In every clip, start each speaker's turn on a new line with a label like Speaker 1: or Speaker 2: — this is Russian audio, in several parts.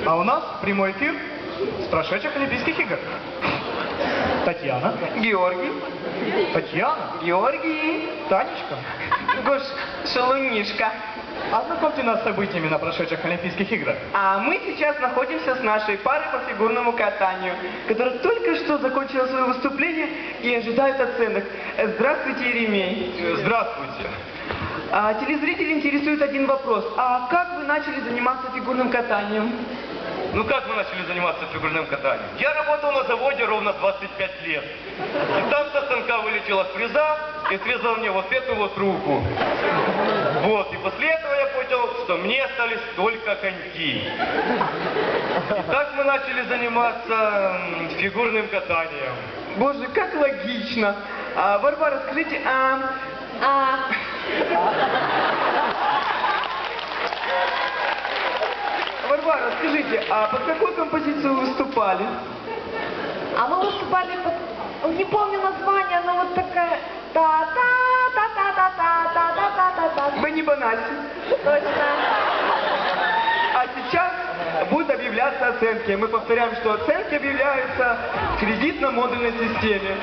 Speaker 1: А у нас прямой эфир с прошедших Олимпийских игр. Татьяна.
Speaker 2: Георгий.
Speaker 1: Татьяна.
Speaker 2: Георгий.
Speaker 1: Танечка.
Speaker 2: Гош, шалунишка.
Speaker 1: Ознакомьте нас с событиями на прошедших Олимпийских играх.
Speaker 2: А мы сейчас находимся с нашей парой по фигурному катанию, которая только что закончила свое выступление и ожидает оценок. Здравствуйте, Еремей.
Speaker 1: Здравствуйте.
Speaker 2: Телезрители интересует один вопрос. А как вы начали заниматься фигурным катанием?
Speaker 3: Ну как мы начали заниматься фигурным катанием? Я работал на заводе ровно 25 лет. И там со станка вылетела фреза и срезала мне вот эту вот руку. Вот, и после этого я понял, что мне остались только коньки. И так мы начали заниматься фигурным катанием.
Speaker 2: Боже, как логично. Варвара, скажите, Варвара, скажите, а под какую композицию вы выступали?
Speaker 4: А мы выступали под... Не помню название, но вот такая... Та-та-та-та-та-та-та-та-та-та-та.
Speaker 2: Вы не банальцы.
Speaker 4: Точно.
Speaker 2: А сейчас будут объявляться оценки. Мы повторяем, что оценки объявляются в кредитно-модульной системе.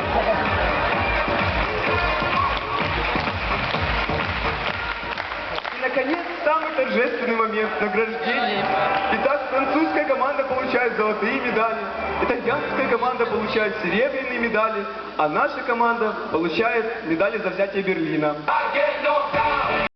Speaker 2: И, наконец, самый торжественный момент награждения. Итак, французская команда получает золотые медали, итальянская команда получает серебряные медали, а наша команда получает медали за взятие Берлина.